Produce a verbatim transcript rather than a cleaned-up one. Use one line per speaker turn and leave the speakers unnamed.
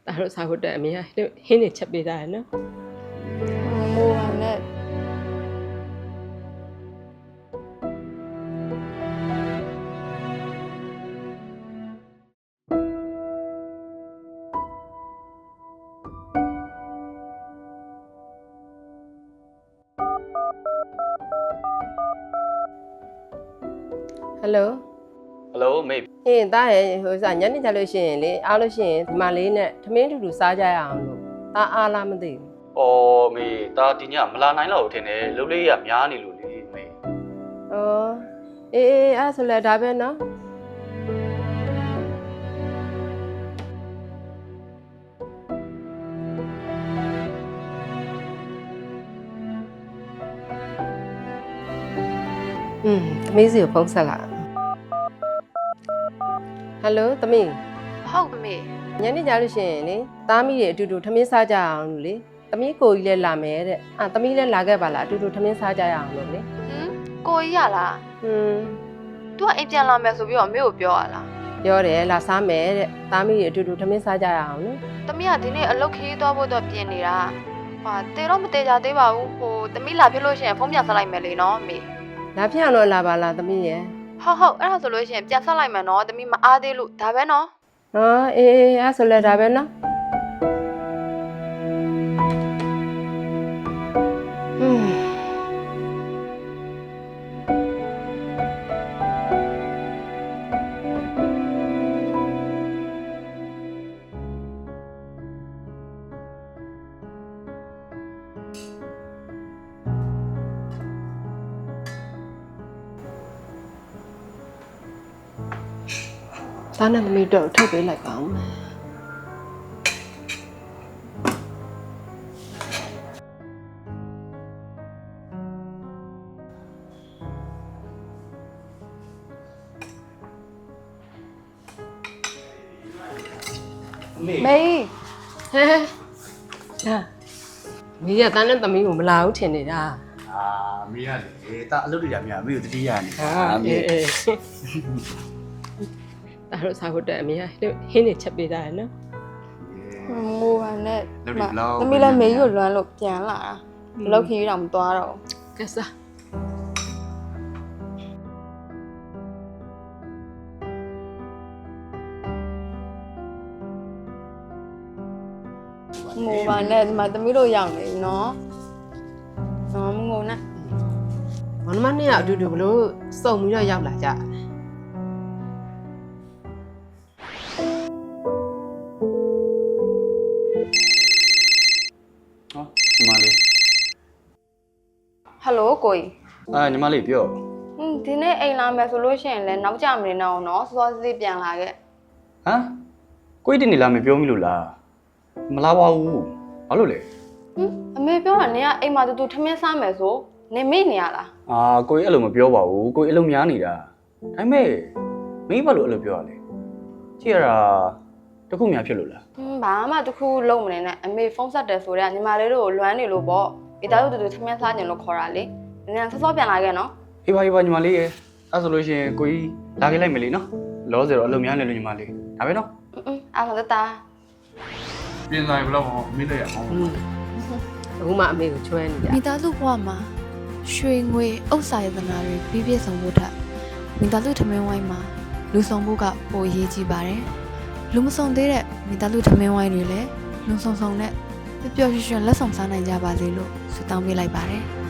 ဒါတို့စားဖို့တက်အမေကဟင်းနေချက်ပေးတာရနော်
မိုးပါနဲ့
ဟယ်လို
ဟယ်လိုမေ
ဟင်းတားရဲ့ဟိုစားညနေကြလို့ရှိရင်လေအားလို့ရှိရင်ဒီမလေးနဲ့ထမင်းတူတူစားကြရအောင်လို့တားအားလားမသိဘူး
။အော်မေဒါဒီညမလာနိုင်တော့ဘူးထင်တယ်။လုပ်လေးရများနေလို့လေမေ
ဩအေးအေးအဲ့ဆိုလဲဒါပဲနော်อืมသမီးစီကိုဖုန်းဆက်လာဟယ်လိုသမီး
ဟုတ်မေ
ညနေကြလို့ရှိရင်လေသားမိတွေအတူတူထမင်းစားကြအောင်လို့လေသမီးကိုကြီးလည်းလာမယ်တဲ့အာသမီးလည်းလာခဲ့ပါလားအတူတူထမင်းစားကြရအောင်လို့လေ
ဟမ်ကိုကြီးရလား
ဟွန်း
तू ကအိမ်ပြန်လာမယ်ဆိုပြီးတော့မေကိုပြောရလား
ပြောတယ်လာစားမယ်တဲ့သားမိတွေအတူတူထမင်းစားကြရအောင်လို့
သမီးကဒီနေ့အလုပ်ခရီးသွားဖို့တော့ပြင်နေတာဟာတေတော့မတေကြသေးပါဘူးဟိုသမီးလာဖြစ်လို့ရှိရင်ဖုန်းပြန်ဆက်လိုက်မယ်လေနော်မေ
လာဖြစ်အောင်တော့လာပါလားသမီးရဲ့
ဟုတ်ဟုတ်အဲ့ဒါဆိုလို့ရှိရင်ပြန်ဆက်လိုက်မယ်နော်သမီးမအားသေးလို့ဒါပဲနော်
ဟောအေးအေးအဲ့ဆိုလဲဒါပဲနော်ဟွန်းသားနဲ့သမီးတော့ထုတ်ပေးလိုက်ပါဦးမယ်
မေ
မေ
ဟဲဒါမီးရသားနဲ့သမီးကိုမလာဘူးထင်နေတာ
အာမေရလေဒါအလုပ်တွေရများမေကိုတတိယနေ
အေးအေးဒါတို့စားဖို့တက်အမေကဟင်းနေချက်ပေးတာရနော်
မိုးပါနဲ့
လုပ်တွေဘလောက်
သမီးလည်းမေကိုလွမ်းလို့ပြန်လာတာအလုပ်ခရီးတော့မသွားတော့
ကဲစား
မိုးပါနဲ့ဒီမှာသမီးတို့ရောက်နေပြီနော်နော်မငုံနဲ့
မနမနဲ့ကအတူတူဘလို့စုံပြီးတော့ရောက်လာကြတယ်
ဟောညီမလေး
ဟယ်လိုကိုကြီး
အာညီမလေးပြော
ဟင်းဒီနေ့အိမ်လာမယ်ဆိုလို့ရှိရင်လည်းနောက်ကြမနေတော့နော်စောစောစီးပြန်လာခဲ့
ဟမ်ကိုကြီးတင်နေလားမပြောမိလို့လားမလာပါဘူးဘာလို့လဲ
ဟင်အမေပြောတာနေကအိမ်မှာတူတူထမင်းစားမယ်ဆိုနေမေ့နေရလား
အာကိုကြီးအဲ့လိုမပြောပါဘူးကိုကြီးအလုပ်များနေတာဒါပေမဲ့မင်းဘာလို့အဲ့လိုပြောရလဲကြည့်ရတာတခုများဖြစ်လို့လား
ဟင်းဘာမှတခုလုံးမနေနဲ့အမေဖုန်းဆက်တယ်ဆိုတော့ညီမလေးတို့ကိုလွမ်းနေလို့ပေါ့မိသားစုတူတူထမင်းစားကြလို့ခေါ်တာလေနင်ကစောစောပြန်လာခဲ့နော်
အေးပါအေးပါညီမလေးရေအဲ့ဆိုလို့ရှိရင်ကိုကြီးလာခဲ့လိုက်မယ်လေနော်လောဆယ်တော့အလုပ်များနေလို့ညီမလေးဒါပဲနော်
အင်းအင်းအားမတတာ
ပြင်ဆိုင်ဘယ်လောက်အောင်မေးလိုက်ရအောင်
อืมအခုမှအမေကိုချွဲနေကြ
မိသားစုဘဝမှာရွှေငွေဥစ္စာရတနာတွေပြည့်ပြည့်စုံဖို့ထက်မိသားစုထမင်းဝိုင်းမှာလူဆောင်ဖို့ကပိုအရေးကြီးပါတယ်။လူမဆောင်သေးတဲ့မိသားစုထမင်းဝိုင်းတွေလည်းလူဆောင်ဆောင်နဲ့ပျော်ပျော်ရွှင်ရွှင်လက်ဆောင်စားနိုင်ကြပါစေလို့ဆုတောင်းပေးလိုက်ပါတယ်။